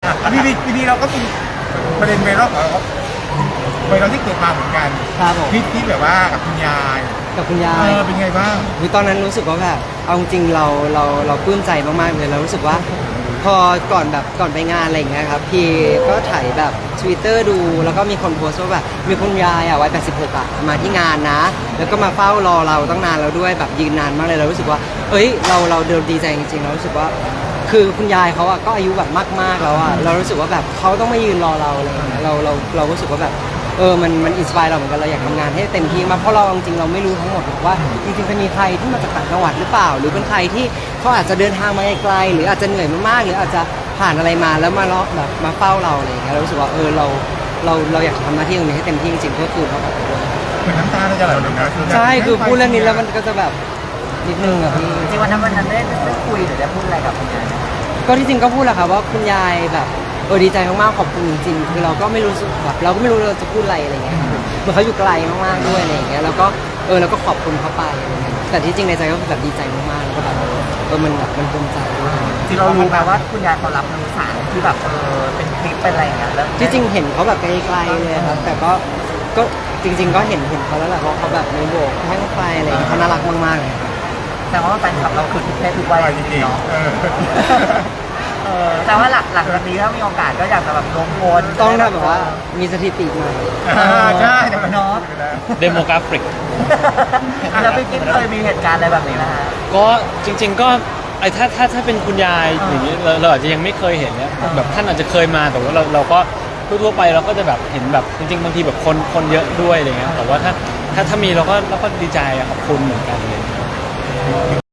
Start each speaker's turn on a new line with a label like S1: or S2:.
S1: ทีนี้เราก็มีประเด็นไวรัลของเราไวรัลที่เกิดมาเหมือนกัน
S2: ครับผม
S1: ที่แบบว่ากับคุณยายเป็นไงบ้าง
S2: คือตอนนั้นรู้สึกว่าแบบเอาจริงเราปลื้มใจมากๆเลยเรารู้สึกว่าพอก่อนไปงานอะไรอย่างเงี้ยครับพี่ก็ถ่ายแบบ Twitter ดูแล้วก็มีคนโพสต์ว่าแบบมีคุณยายวัย86มาที่งานนะแล้วก็มาเฝ้ารอเราตั้งนานแล้วด้วยแบบยืนนานมากเลยเรารู้สึกว่าเอ้ยเราเดินดีใจจริงๆเรารู้สึกว่าคือคุณยายเขาก็อายุแบบมากๆแล้วเรารู้สึกว่าแบบเขาต้องมายืนรอเราอะไรอย่างเงี้ยเรารู้สึกว่าแบบมันอินสปายเราเหมือนกันเราอยากทำงานให้เต็มที่มากเพราะเราจริงๆเราไม่รู้ทั้งหมดหรอกว่าจริงๆจะมีใครที่มาจากต่างจังหวัดหรือเปล่าหรือเป็นใครที่เขาอาจจะเดินทางมาไกลหรืออาจจะเหนื่อยมากๆหรืออาจจะผ่านอะไรมาแล้วมาแบบมาเฝ้าเราอะไรอย่างเงี้ยเรารู้สึกว่าเราอยากทำหน้าที่ตรงนี้ให้เต็มที่จริงๆเพื่อคืนเขากลับไปด้วย
S1: เหมือนน้ำตาเราจะไหลเลยนะ
S2: ใช่คือพูดเรื่องนี้แล้วมันก็จะแบบนิดนึงอะพี่
S3: จริงวันนั้นได้คุยหรือได้พูดอะไรกับคุณยาย
S2: ก็ที่จริงก็พูดแหละค่ะว่าคุณยายแบบดีใจมากๆขอบคุณจริงๆคือเราก็ไม่รู้สึกแบบเราก็ไม่รู้เราจะพูดอะไรอะไรเงี้ยเหมือนเขาอยู่ไกลมากๆด้วยอะไรอย่างเงี้ยแล้วก็เราก็ขอบคุณเขาไปอะไรเงี้ยแต่ที่จริงในใจก็แบบดีใจมากๆแล้วก็แบบมันแบบมันภูมิใจด้วย
S3: ที่เรารู้ไหมว่าคุณยายเขารับรู้สารที่แบบเป็นคลิปเป็นอะไรอย่างเงี้ยแล้ว
S2: ที่จริงเห็นเขาแบบไกลๆเลยครับแต่ก็จริงๆก็เห็นเขาแล้วแหละเพราะเขาแบบมีโบกแห้งไฟอะไรเขาน่ารักมากๆเลย
S3: แต่ว่าแฟนคลับเราคือทุกเพศทุกวัย
S1: จริงๆเนาะ
S3: แต่ว่าหลักจากนี้ถ้ามีโอกาสก็อยากจะแบบลงโพล
S2: ต้องแบบว่ามีสถิติใหม่
S1: ใช่
S3: เนาะ
S4: เดโมกราฟิก
S3: แล้วพี่กิ๊กเคยมีเหตุการณ์อะไรแบบนี้ไหมฮะ
S4: ก็จริงๆก็ถ้าเป็นคุณยายอย่างนี้เราอาจจะยังไม่เคยเห็นเนี่ยแบบท่านอาจจะเคยมาแต่ว่าเราก็ทั่วไปเราก็จะแบบเห็นแบบจริงๆบางทีแบบคนเยอะด้วยอะไรเงี้ยแต่ว่าถ้ามีเราก็ดีใจขอบคุณเหมือนกันเลย